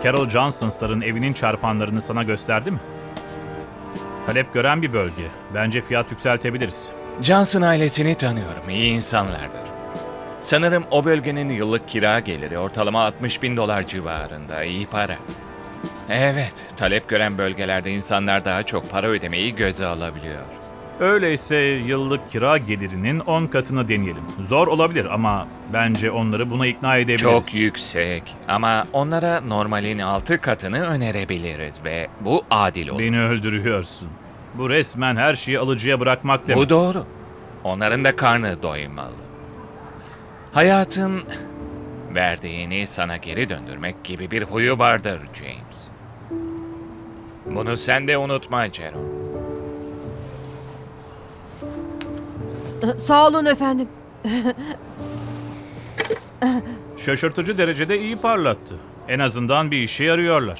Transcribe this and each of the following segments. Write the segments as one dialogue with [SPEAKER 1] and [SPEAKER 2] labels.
[SPEAKER 1] Carol Johnson'ların evinin çarpanlarını sana gösterdi mi? Talep gören bir bölge. Bence fiyat yükseltebiliriz.
[SPEAKER 2] Johnson ailesini tanıyorum. İyi insanlardır. Sanırım o bölgenin yıllık kira geliri ortalama $60,000 civarında. İyi para. Evet, talep gören bölgelerde insanlar daha çok para ödemeyi göze alabiliyor.
[SPEAKER 1] Öyleyse yıllık kira gelirinin 10 katını deneyelim. Zor olabilir ama bence onları buna ikna edebiliriz.
[SPEAKER 2] Çok yüksek ama onlara normalin 6 katını önerebiliriz ve bu adil olur.
[SPEAKER 1] Beni öldürüyorsun. Bu resmen her şeyi alıcıya bırakmak demek.
[SPEAKER 2] Bu doğru. Onların da karnı doymalı. Hayatın verdiğini sana geri döndürmek gibi bir huyu vardır James. Bunu sen de unutma Jerome.
[SPEAKER 3] Sağ olun efendim.
[SPEAKER 1] Şaşırtıcı derecede iyi parlattı. En azından bir işe yarıyorlar.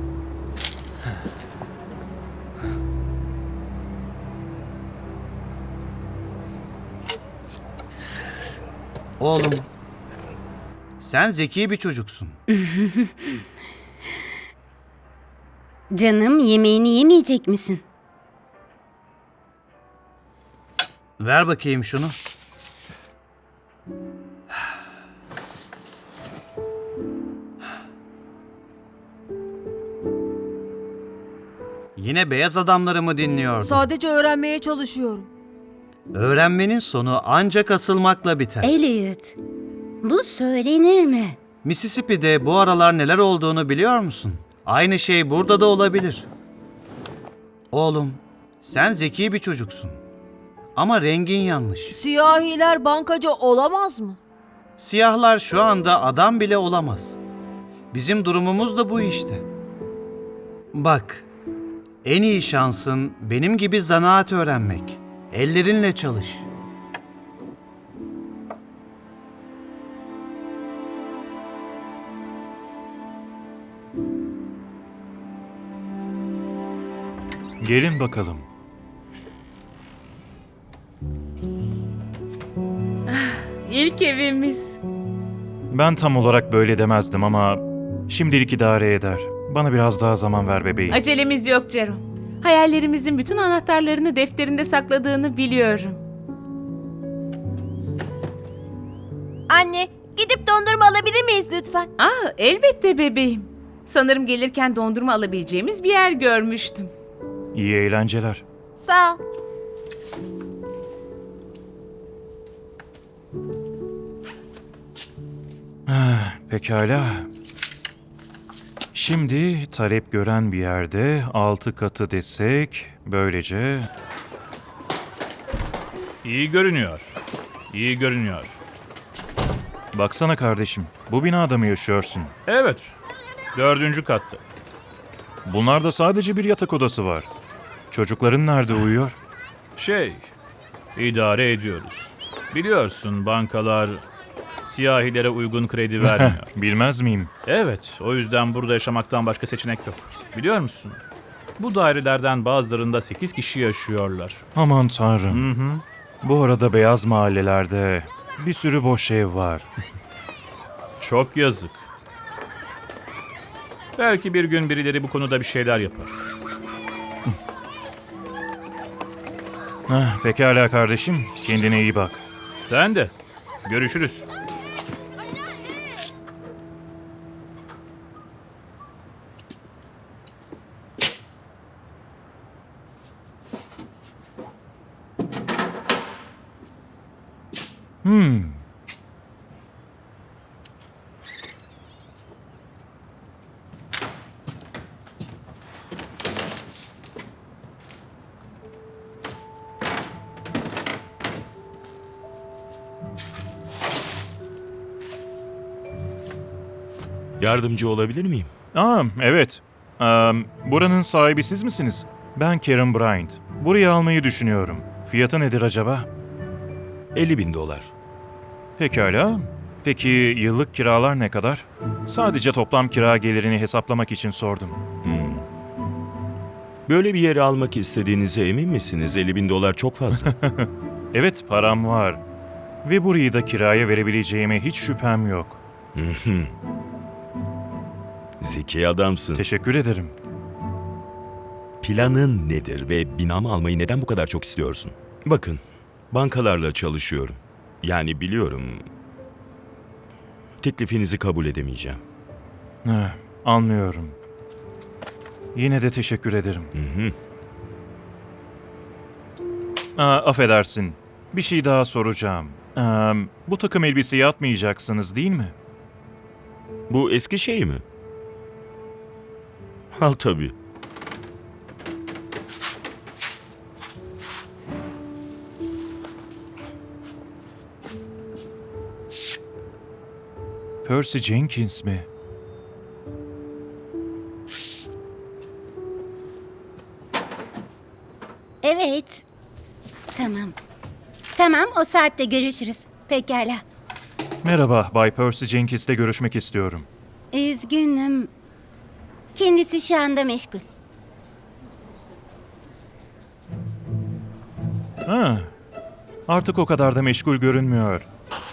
[SPEAKER 4] Oğlum, sen zeki bir çocuksun.
[SPEAKER 5] Canım, yemeğini yemeyecek misin?
[SPEAKER 4] Ver bakayım şunu. Yine beyaz adamları mı dinliyordun?
[SPEAKER 3] Sadece öğrenmeye çalışıyorum.
[SPEAKER 4] Öğrenmenin sonu ancak asılmakla biter.
[SPEAKER 5] Elliot, bu söylenir mi?
[SPEAKER 4] Mississippi'de bu aralar neler olduğunu biliyor musun? Aynı şey burada da olabilir. Oğlum, sen zeki bir çocuksun. Ama rengin yanlış.
[SPEAKER 3] Siyahiler bankacı olamaz mı?
[SPEAKER 4] Siyahlar şu anda adam bile olamaz. Bizim durumumuz da bu işte. Bak, en iyi şansın benim gibi zanaat öğrenmek. Ellerinle çalış.
[SPEAKER 6] Gelin bakalım.
[SPEAKER 7] İlk evimiz.
[SPEAKER 6] Ben tam olarak böyle demezdim ama şimdilik idare eder. Bana biraz daha zaman ver bebeğim.
[SPEAKER 7] Acelemiz yok Jerome. Hayallerimizin bütün anahtarlarını defterinde sakladığını biliyorum.
[SPEAKER 3] Anne, gidip dondurma alabilir miyiz lütfen?
[SPEAKER 7] Elbette bebeğim. Sanırım gelirken dondurma alabileceğimiz bir yer görmüştüm.
[SPEAKER 6] İyi eğlenceler.
[SPEAKER 3] Sağ ol.
[SPEAKER 6] Pekala. Şimdi talep gören bir yerde 6 katı desek böylece...
[SPEAKER 1] İyi görünüyor. İyi görünüyor.
[SPEAKER 6] Baksana kardeşim, bu binada mı yaşıyorsun?
[SPEAKER 1] Evet. 4. katta.
[SPEAKER 6] Bunlarda sadece bir yatak odası var. Çocukların nerede uyuyor?
[SPEAKER 1] İdare ediyoruz. Biliyorsun bankalar siyahilere uygun kredi vermiyor.
[SPEAKER 6] Bilmez miyim?
[SPEAKER 1] Evet, o yüzden burada yaşamaktan başka seçenek yok. Biliyor musun? Bu dairelerden bazılarında 8 kişi yaşıyorlar.
[SPEAKER 6] Aman tanrım. Bu arada beyaz mahallelerde bir sürü boş ev var.
[SPEAKER 1] Çok yazık. Belki bir gün birileri bu konuda bir şeyler yapar.
[SPEAKER 6] Pekala kardeşim, kendine iyi bak.
[SPEAKER 1] Sen de. Görüşürüz.
[SPEAKER 8] Yardımcı olabilir miyim?
[SPEAKER 6] Evet. Buranın sahibi siz misiniz? Ben Karen Bryant. Burayı almayı düşünüyorum. Fiyatı nedir acaba?
[SPEAKER 8] $50,000.
[SPEAKER 6] Pekala. Peki yıllık kiralar ne kadar? Sadece toplam kira gelirini hesaplamak için sordum.
[SPEAKER 8] Böyle bir yeri almak istediğinize emin misiniz? $50,000 çok fazla.
[SPEAKER 6] Evet, param var. Ve burayı da kiraya verebileceğime hiç şüphem yok.
[SPEAKER 8] Zeki adamsın.
[SPEAKER 6] Teşekkür ederim.
[SPEAKER 8] Planın nedir ve binamı almayı neden bu kadar çok istiyorsun? Bakın, bankalarla çalışıyorum. Yani biliyorum. Teklifinizi kabul edemeyeceğim.
[SPEAKER 6] Anlıyorum. Yine de teşekkür ederim. Affedersin. Bir şey daha soracağım. Bu takım elbiseyi atmayacaksınız değil mi?
[SPEAKER 8] Bu eski şey mi? Al tabii.
[SPEAKER 6] Percy Jenkins mi?
[SPEAKER 5] Evet. Tamam. Tamam, o saatte görüşürüz. Pekala.
[SPEAKER 6] Merhaba, Bay Percy Jenkins'le görüşmek istiyorum.
[SPEAKER 5] Üzgünüm. Kendisi şu anda meşgul.
[SPEAKER 6] Artık o kadar da meşgul görünmüyor.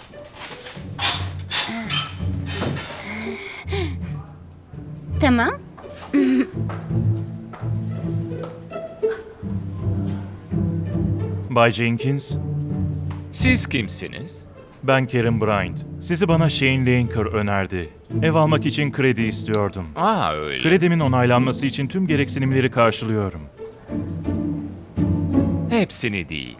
[SPEAKER 5] Tamam.
[SPEAKER 6] Bay Jenkins,
[SPEAKER 2] Siz kimsiniz?
[SPEAKER 6] ben Karen Bryant. Sizi bana Shane Lanker önerdi. Ev almak için kredi istiyordum.
[SPEAKER 2] Öyle.
[SPEAKER 6] Kredimin onaylanması için tüm gereksinimleri karşılıyorum.
[SPEAKER 2] Hepsini değil.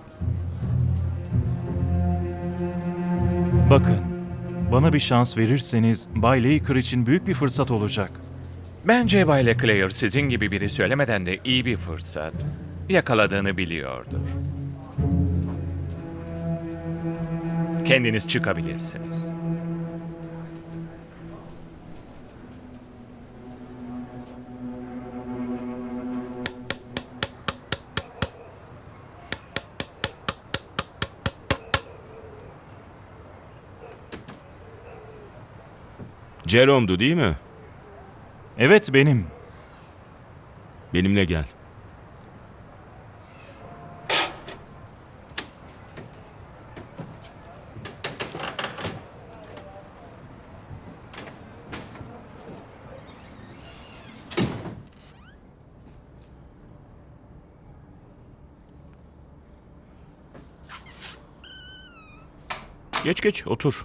[SPEAKER 6] Bakın, bana bir şans verirseniz Bay Laker için büyük bir fırsat olacak.
[SPEAKER 2] Bence Bay Leclerc sizin gibi biri söylemeden de iyi bir fırsat yakaladığını biliyordur. Kendiniz çıkabilirsiniz.
[SPEAKER 8] Jerome'du değil mi?
[SPEAKER 6] Evet, benim.
[SPEAKER 8] Benimle gel. Geç geç otur.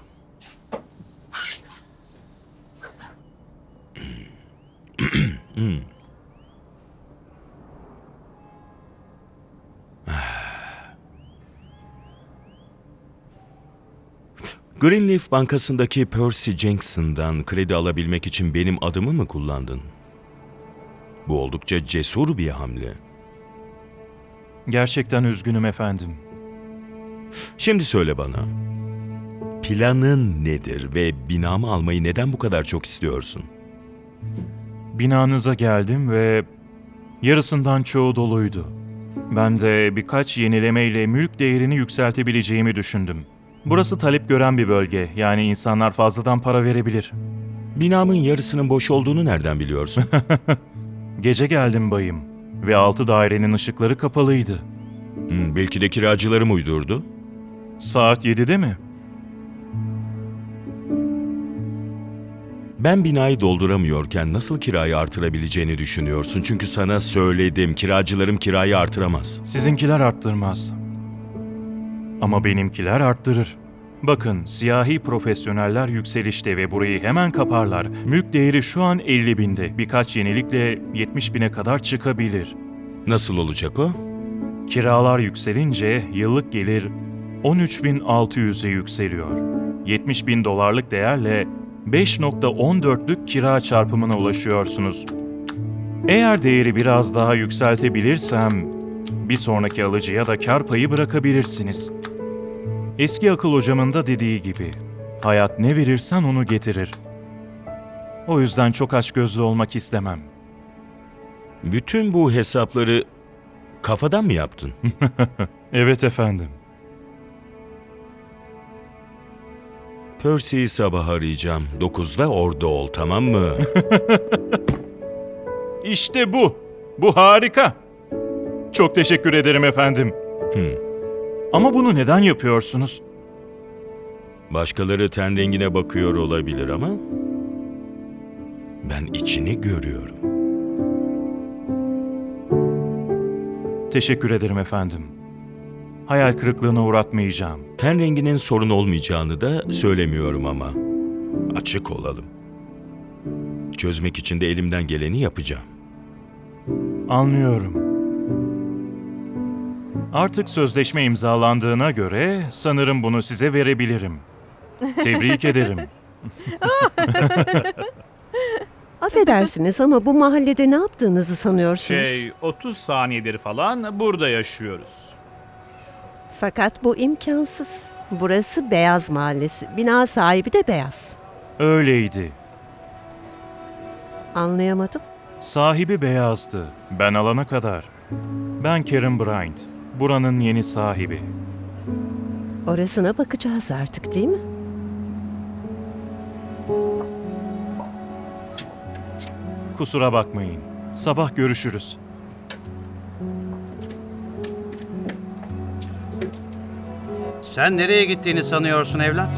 [SPEAKER 8] Greenleaf Bankası'ndaki Percy Jenkins'den kredi alabilmek için benim adımı mı kullandın? Bu oldukça cesur bir hamle.
[SPEAKER 6] Gerçekten üzgünüm efendim.
[SPEAKER 8] Şimdi söyle bana. Planın nedir ve binamı almayı neden bu kadar çok istiyorsun?
[SPEAKER 6] Binanıza geldim ve yarısından çoğu doluydu. Ben de birkaç yenilemeyle mülk değerini yükseltebileceğimi düşündüm. Burası talep gören bir bölge, yani insanlar fazladan para verebilir.
[SPEAKER 8] Binamın yarısının boş olduğunu nereden biliyorsun?
[SPEAKER 6] Gece geldim bayım ve 6 dairenin ışıkları kapalıydı.
[SPEAKER 8] Belki de kiracılarım uydurdu.
[SPEAKER 6] Saat 7'de mi?
[SPEAKER 8] Ben binayı dolduramıyorken nasıl kirayı artırabileceğini düşünüyorsun? Çünkü sana söyledim, kiracılarım kirayı artıramaz.
[SPEAKER 6] Sizinkiler arttırmaz. Ama benimkiler arttırır. Bakın, siyahi profesyoneller yükselişte ve burayı hemen kaparlar. Mülk değeri şu an 50 binde. Birkaç yenilikle 70 bine kadar çıkabilir.
[SPEAKER 8] Nasıl olacak o?
[SPEAKER 6] Kiralar yükselince yıllık gelir 13.600'e yükseliyor. 70 bin dolarlık değerle 5.14'lük kira çarpımına ulaşıyorsunuz. Eğer değeri biraz daha yükseltebilirsem, bir sonraki alıcıya da kar payı bırakabilirsiniz. Eski akıl hocamın da dediği gibi, hayat ne verirsen onu getirir. O yüzden çok açgözlü olmak istemem.
[SPEAKER 8] Bütün bu hesapları kafadan mı yaptın?
[SPEAKER 6] Evet efendim.
[SPEAKER 8] Percy'yi sabah arayacağım. 9'da orada ol, tamam mı?
[SPEAKER 6] İşte bu. Bu harika. Çok teşekkür ederim efendim. Ama bunu neden yapıyorsunuz?
[SPEAKER 8] Başkaları ten rengine bakıyor olabilir ama Ben içini görüyorum.
[SPEAKER 6] Teşekkür ederim efendim. Hayal kırıklığına uğratmayacağım.
[SPEAKER 8] Ten renginin sorun olmayacağını da söylemiyorum ama. Açık olalım. Çözmek için de elimden geleni yapacağım.
[SPEAKER 6] Anlıyorum. Artık sözleşme imzalandığına göre sanırım bunu size verebilirim. Tebrik ederim.
[SPEAKER 9] Affedersiniz ama bu mahallede ne yaptığınızı sanıyorsunuz?
[SPEAKER 1] 30 saniyedir falan burada yaşıyoruz.
[SPEAKER 9] Fakat bu imkansız. Burası Beyaz Mahallesi. Bina sahibi de beyaz.
[SPEAKER 6] Öyleydi.
[SPEAKER 9] Anlayamadım.
[SPEAKER 6] Sahibi beyazdı. Ben alana kadar. Ben Karen Bryant. Buranın yeni sahibi.
[SPEAKER 9] Orasına bakacağız artık, değil mi?
[SPEAKER 6] Kusura bakmayın. Sabah görüşürüz.
[SPEAKER 4] Sen nereye gittiğini sanıyorsun evlat?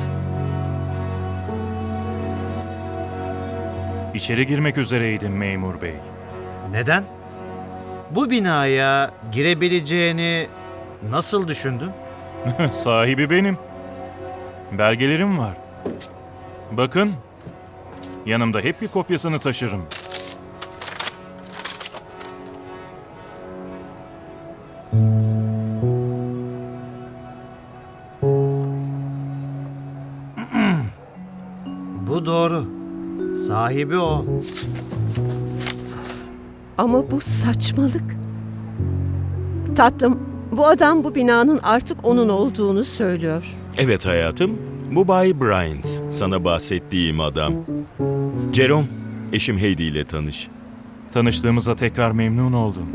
[SPEAKER 6] İçeri girmek üzereydim memur bey.
[SPEAKER 4] Neden? Bu binaya girebileceğini nasıl düşündün?
[SPEAKER 6] Sahibi benim. Belgelerim var. Bakın. Yanımda hep bir kopyasını taşırım.
[SPEAKER 4] Bu doğru. Sahibi o.
[SPEAKER 9] Ama bu saçmalık. Tatlım, bu adam bu binanın artık onun olduğunu söylüyor.
[SPEAKER 8] Evet hayatım, bu Bay Bryant. Sana bahsettiğim adam. Jerome, eşim Heidi ile tanış.
[SPEAKER 6] Tanıştığımıza tekrar memnun oldum.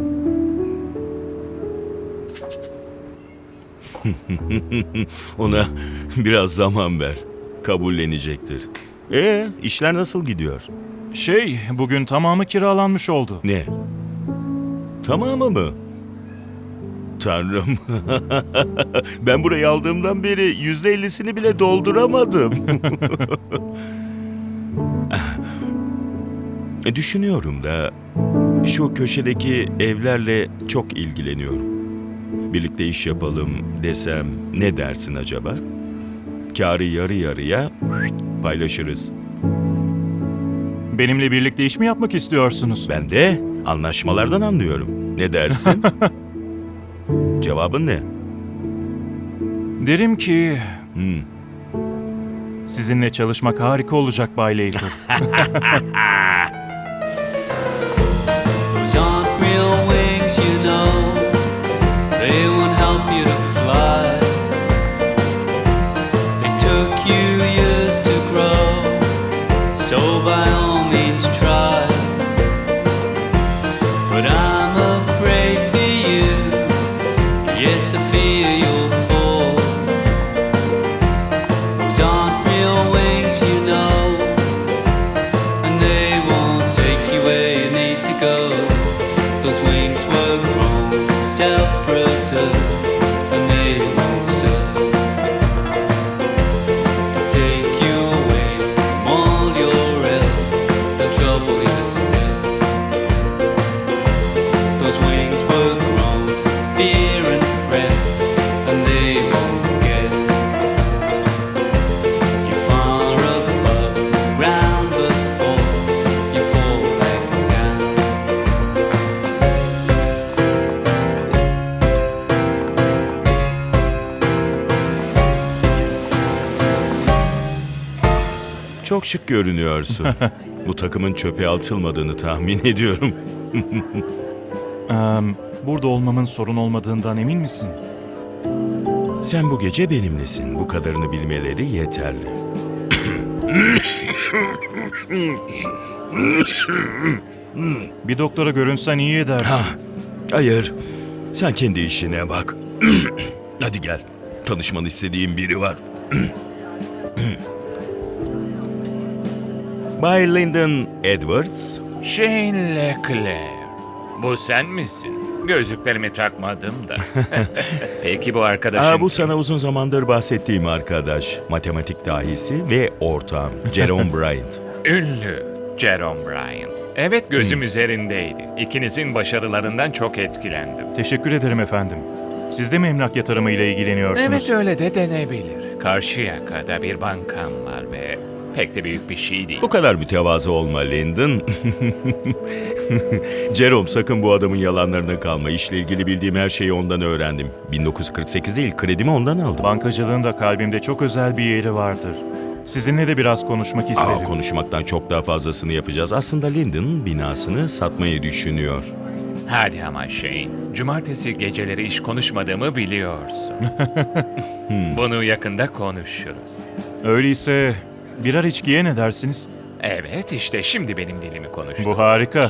[SPEAKER 8] Ona biraz zaman ver. Kabullenecektir. İşler nasıl gidiyor?
[SPEAKER 6] Bugün tamamı kiralanmış oldu.
[SPEAKER 8] Ne? Tamamı mı? Tanrım. Ben burayı aldığımdan beri %50'sini bile dolduramadım. Düşünüyorum da şu köşedeki evlerle çok ilgileniyorum. Birlikte iş yapalım desem ne dersin acaba? Kârı yarı yarıya paylaşırız.
[SPEAKER 6] Benimle birlikte iş mi yapmak istiyorsunuz?
[SPEAKER 8] Ben de anlaşmalardan anlıyorum. Ne dersin? Cevabın ne?
[SPEAKER 6] Derim ki
[SPEAKER 8] Hmm.
[SPEAKER 6] sizinle çalışmak harika olacak Bay Laker.
[SPEAKER 10] Those aren't real wings, you know. They won't help you to fly. They took you years to grow, so by all means try. But I'm afraid for you. Yes, I fear you'll fall. Those aren't real wings, you know. And they won't take you where you need to go. Those wings were grown to self-preserve, and they won't serve to take you away from all your else. They'll trouble you instead. Those wings were grown from fear and fret, and they won't get you far above ground before you fall back down.
[SPEAKER 8] Çok şık görünüyorsun. Bu takımın çöpe atılmadığını tahmin ediyorum.
[SPEAKER 6] Burada olmamın sorun olmadığından emin misin?
[SPEAKER 8] Sen bu gece benimlesin. Bu kadarını bilmeleri yeterli.
[SPEAKER 6] Bir doktora görünsen iyi edersin.
[SPEAKER 8] Hayır. Sen kendi işine bak. Hadi gel. Tanışmanı istediğim biri var. Bay Lyndon Edwards.
[SPEAKER 2] Shane Leclerc. Bu sen misin? Gözlüklerimi takmadım da. Peki bu arkadaşın
[SPEAKER 8] Bu sana uzun zamandır bahsettiğim arkadaş. Matematik dahisi ve ortağım. Jerome Bryant.
[SPEAKER 2] ünlü, Jerome Bryan. Evet, gözüm üzerindeydi. İkinizin başarılarından çok etkilendim.
[SPEAKER 6] Teşekkür ederim efendim. Siz de mi emlak yatırımı ile ilgileniyorsunuz?
[SPEAKER 2] Evet, öyle de denebilir. Karşıyaka'da bir bankam var ve pek de büyük bir şey değil.
[SPEAKER 8] Bu kadar mütevazı olma Lyndon. Jerome, sakın bu adamın yalanlarına kalma. İşle ilgili bildiğim her şeyi ondan öğrendim. 1948 değil, kredimi ondan aldım.
[SPEAKER 6] Bankacılığın da kalbimde çok özel bir yeri vardır. Sizinle de biraz konuşmak isterim.
[SPEAKER 8] Konuşmaktan çok daha fazlasını yapacağız. Aslında Lyndon binasını satmayı düşünüyor.
[SPEAKER 2] Hadi ama Shane, cumartesi geceleri iş konuşmadığımı biliyorsun. Bunu yakında konuşuruz.
[SPEAKER 6] Öyleyse birer içkiye ne dersiniz?
[SPEAKER 2] Evet, işte şimdi benim dilimi konuştu.
[SPEAKER 6] Bu harika.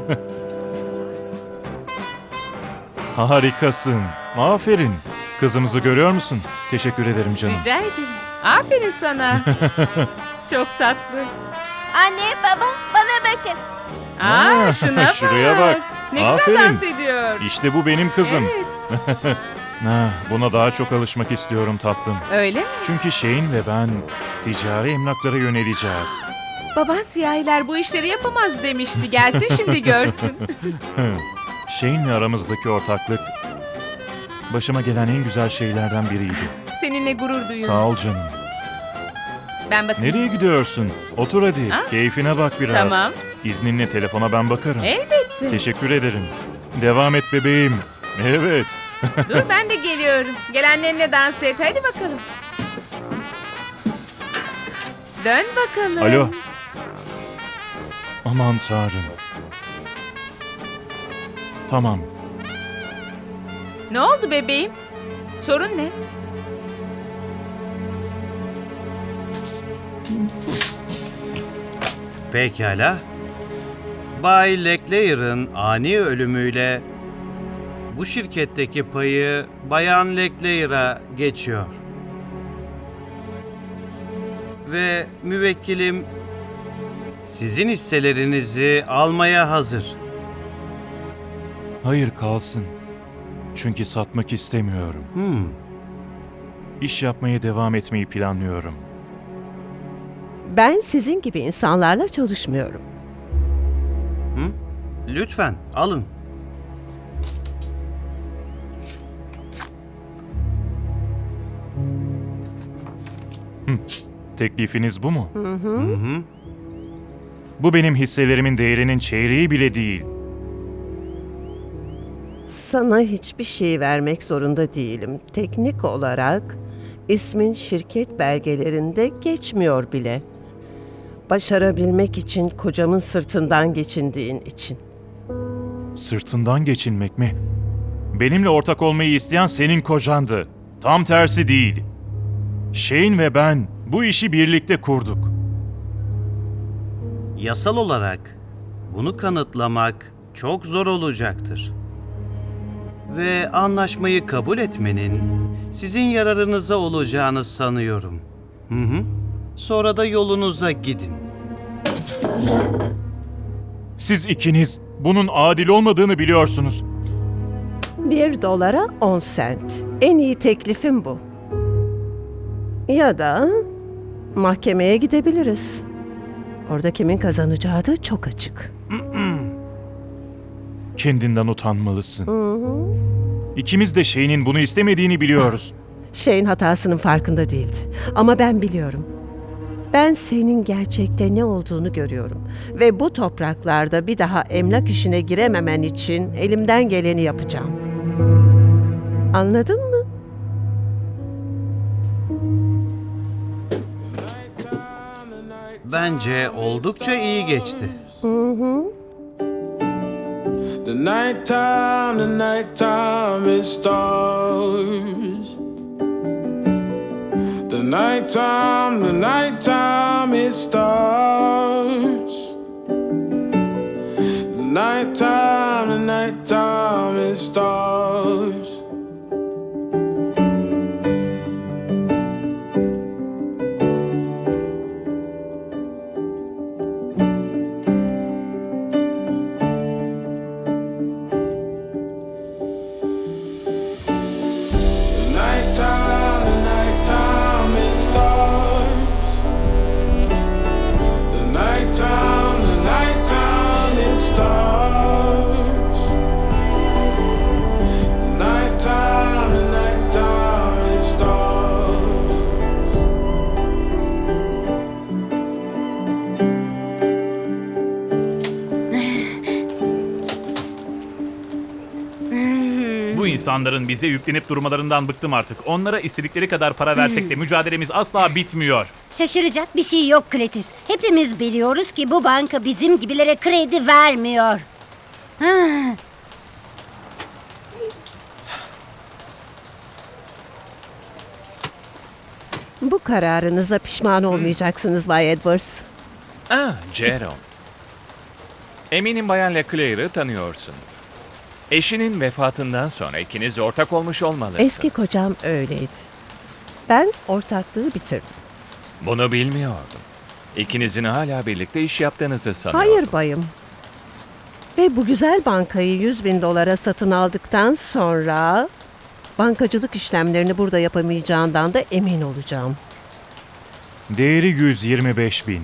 [SPEAKER 6] Harikasın. Aferin. Kızımızı görüyor musun? Teşekkür ederim canım.
[SPEAKER 7] Rica ederim. Aferin sana. Çok tatlı.
[SPEAKER 3] Anne, baba, bana bakın.
[SPEAKER 7] Aa, şuna bak.
[SPEAKER 6] şuraya bak.
[SPEAKER 7] Ne
[SPEAKER 6] Aferin.
[SPEAKER 7] güzel dans ediyor.
[SPEAKER 6] İşte bu benim kızım.
[SPEAKER 7] Evet.
[SPEAKER 6] Buna daha çok alışmak istiyorum tatlım.
[SPEAKER 7] Öyle mi?
[SPEAKER 6] Çünkü Shane ve ben ticari emlaklara yöneleceğiz.
[SPEAKER 7] Baban siyahiler bu işleri yapamaz demişti. Gelsin şimdi görsün.
[SPEAKER 6] Shane'le aramızdaki ortaklık başıma gelen en güzel şeylerden biriydi.
[SPEAKER 7] Seninle gurur duyuyorum.
[SPEAKER 6] Sağ ol canım.
[SPEAKER 7] Ben bakayım.
[SPEAKER 6] Nereye gidiyorsun? Otur hadi.
[SPEAKER 7] Ha?
[SPEAKER 6] Keyfine bak biraz.
[SPEAKER 7] Tamam.
[SPEAKER 6] İzninle telefona ben bakarım.
[SPEAKER 7] Elbette.
[SPEAKER 6] Teşekkür ederim. Devam et bebeğim. Evet.
[SPEAKER 7] Dur ben de geliyorum. Gelenlerine dans et. Hadi bakalım. Dön bakalım.
[SPEAKER 6] Alo. Aman tanrım. Tamam.
[SPEAKER 7] Ne oldu bebeğim? Sorun ne?
[SPEAKER 4] Pekala. Bay Leclerc'in ani ölümüyle bu şirketteki payı Bayan Leclerc'a geçiyor. Ve müvekkilim sizin hisselerinizi almaya hazır.
[SPEAKER 6] Hayır kalsın. Çünkü satmak istemiyorum. İş yapmaya devam etmeyi planlıyorum.
[SPEAKER 9] Ben sizin gibi insanlarla çalışmıyorum.
[SPEAKER 4] Lütfen alın.
[SPEAKER 6] Teklifiniz bu mu? Bu benim hisselerimin değerinin çeyreği bile değil.
[SPEAKER 9] Sana hiçbir şey vermek zorunda değilim. Teknik olarak ismin şirket belgelerinde geçmiyor bile. Başarabilmek için kocamın sırtından geçindiğin için.
[SPEAKER 6] Sırtından geçinmek mi? Benimle ortak olmayı isteyen senin kocandı. Tam tersi değil. Shane ve ben bu işi birlikte kurduk.
[SPEAKER 4] Yasal olarak bunu kanıtlamak çok zor olacaktır. Ve anlaşmayı kabul etmenin sizin yararınıza olacağını sanıyorum. Sonra da yolunuza gidin.
[SPEAKER 6] Siz ikiniz bunun adil olmadığını biliyorsunuz.
[SPEAKER 9] $1 10 sent. En iyi teklifim bu. Ya da mahkemeye gidebiliriz. Orada kimin kazanacağı da çok açık.
[SPEAKER 6] Kendinden utanmalısın. İkimiz de Shane'in bunu istemediğini biliyoruz.
[SPEAKER 9] Shane hatasının farkında değildi. Ama ben biliyorum. Ben senin gerçekte ne olduğunu görüyorum. Ve bu topraklarda bir daha emlak işine girememen için elimden geleni yapacağım. Anladın mı?
[SPEAKER 4] Bence oldukça iyi geçti.
[SPEAKER 10] The nighttime it stars. The nighttime it starts. The nighttime it starts. The nighttime it starts. The nighttime
[SPEAKER 1] İnsanların bize yüklenip durmalarından bıktım artık. Onlara istedikleri kadar para versek de mücadelemiz asla bitmiyor.
[SPEAKER 5] Şaşıracak bir şey yok Kletis. Hepimiz biliyoruz ki bu banka bizim gibilere kredi vermiyor. Ha.
[SPEAKER 9] Bu kararınıza pişman olmayacaksınız Bay Edwards.
[SPEAKER 2] Jerome. Eminim Bayan Leclerc'i tanıyorsun. Eşinin vefatından sonra ikiniz ortak olmuş olmalısınız.
[SPEAKER 9] Eski kocam öyleydi. Ben ortaklığı bitirdim.
[SPEAKER 2] Bunu bilmiyordum. İkinizin hala birlikte iş yaptığınızı sanıyordum.
[SPEAKER 9] Hayır bayım. Ve bu güzel bankayı 100.000 dolara satın aldıktan sonra bankacılık işlemlerini burada yapamayacağından da emin olacağım.
[SPEAKER 6] Değeri 125.000.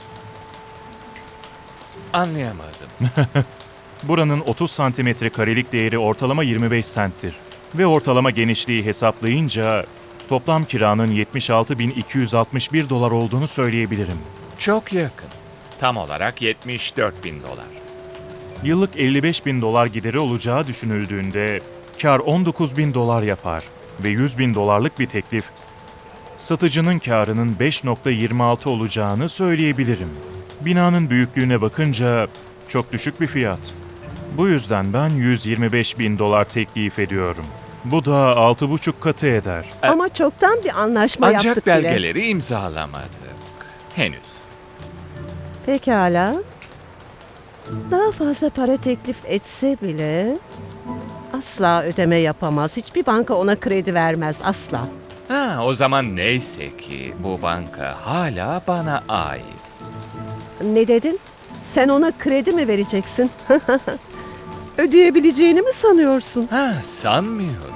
[SPEAKER 2] Anlayamadım.
[SPEAKER 6] Buranın 30 santimetre karelik değeri ortalama 25 centtir. Ve ortalama genişliği hesaplayınca toplam kiranın 76.261 dolar olduğunu söyleyebilirim.
[SPEAKER 2] Çok yakın. Tam olarak 74.000 dolar.
[SPEAKER 6] Yıllık 55.000 dolar gideri olacağı düşünüldüğünde kar 19.000 dolar yapar ve 100.000 dolarlık bir teklif satıcının karının 5.26 olacağını söyleyebilirim. Binanın büyüklüğüne bakınca çok düşük bir fiyat. Bu yüzden ben 125.000 dolar teklif ediyorum. Bu da 6,5 katı eder.
[SPEAKER 9] Ama çoktan bir anlaşma
[SPEAKER 2] Ancak
[SPEAKER 9] yaptık bile.
[SPEAKER 2] belgeleri imzalamadık. Henüz.
[SPEAKER 9] Pekala. Daha fazla para teklif etse bile asla ödeme yapamaz. Hiçbir banka ona kredi vermez asla.
[SPEAKER 2] O zaman neyse ki bu banka hala bana ait.
[SPEAKER 9] Ne dedin? Sen ona kredi mi vereceksin? Ödeyebileceğini mi sanıyorsun?
[SPEAKER 2] Sanmıyorum.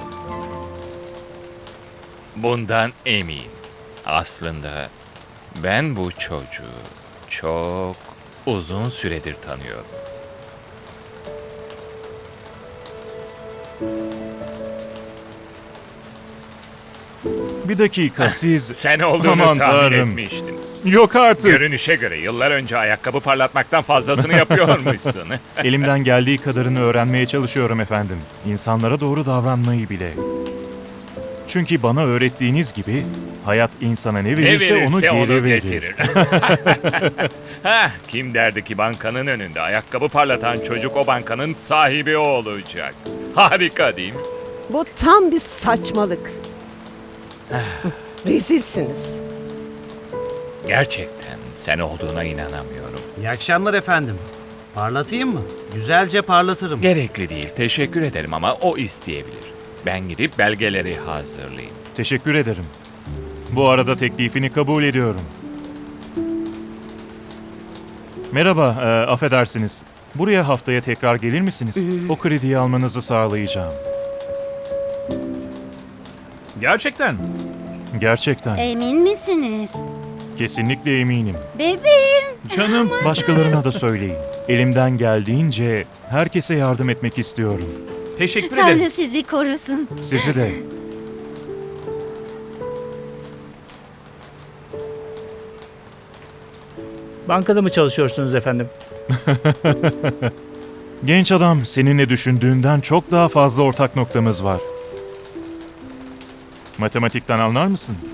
[SPEAKER 2] Bundan eminim. Aslında ben bu çocuğu çok uzun süredir tanıyorum.
[SPEAKER 6] Bir dakika siz...
[SPEAKER 2] Sen olduğunu
[SPEAKER 6] Aman
[SPEAKER 2] tahmin
[SPEAKER 6] Tanrım.
[SPEAKER 2] etmiştim.
[SPEAKER 6] Yok artık.
[SPEAKER 2] Görünüşe göre yıllar önce ayakkabı parlatmaktan fazlasını yapıyormuşsun.
[SPEAKER 6] Elimden geldiği kadarını öğrenmeye çalışıyorum efendim. İnsanlara doğru davranmayı bile. Çünkü bana öğrettiğiniz gibi hayat insana ne verirse, onu geri verir.
[SPEAKER 2] getirir. Kim derdi ki bankanın önünde ayakkabı parlatan çocuk o bankanın sahibi olacak. Harika değil mi?
[SPEAKER 9] Bu tam bir saçmalık. Rezilsiniz.
[SPEAKER 2] Gerçekten sen olduğuna inanamıyorum.
[SPEAKER 4] İyi akşamlar efendim. Parlatayım mı? Güzelce parlatırım.
[SPEAKER 2] Gerekli değil, teşekkür ederim ama o isteyebilir. Ben gidip belgeleri hazırlayayım.
[SPEAKER 6] Teşekkür ederim. Bu arada teklifini kabul ediyorum. Merhaba, affedersiniz. Buraya haftaya tekrar gelir misiniz? O krediyi almanızı sağlayacağım.
[SPEAKER 1] Gerçekten.
[SPEAKER 6] Gerçekten.
[SPEAKER 5] Emin misiniz?
[SPEAKER 6] Kesinlikle eminim.
[SPEAKER 5] Bebeğim.
[SPEAKER 1] Canım.
[SPEAKER 6] Başkalarına da söyleyin. Elimden geldiğince herkese yardım etmek istiyorum.
[SPEAKER 1] Teşekkür ederim.
[SPEAKER 5] Tanrı sizi korusun.
[SPEAKER 6] Sizi de.
[SPEAKER 11] Bankada mı çalışıyorsunuz efendim?
[SPEAKER 6] Genç adam, seninle düşündüğünden çok daha fazla ortak noktamız var. Matematikten anlar mısın?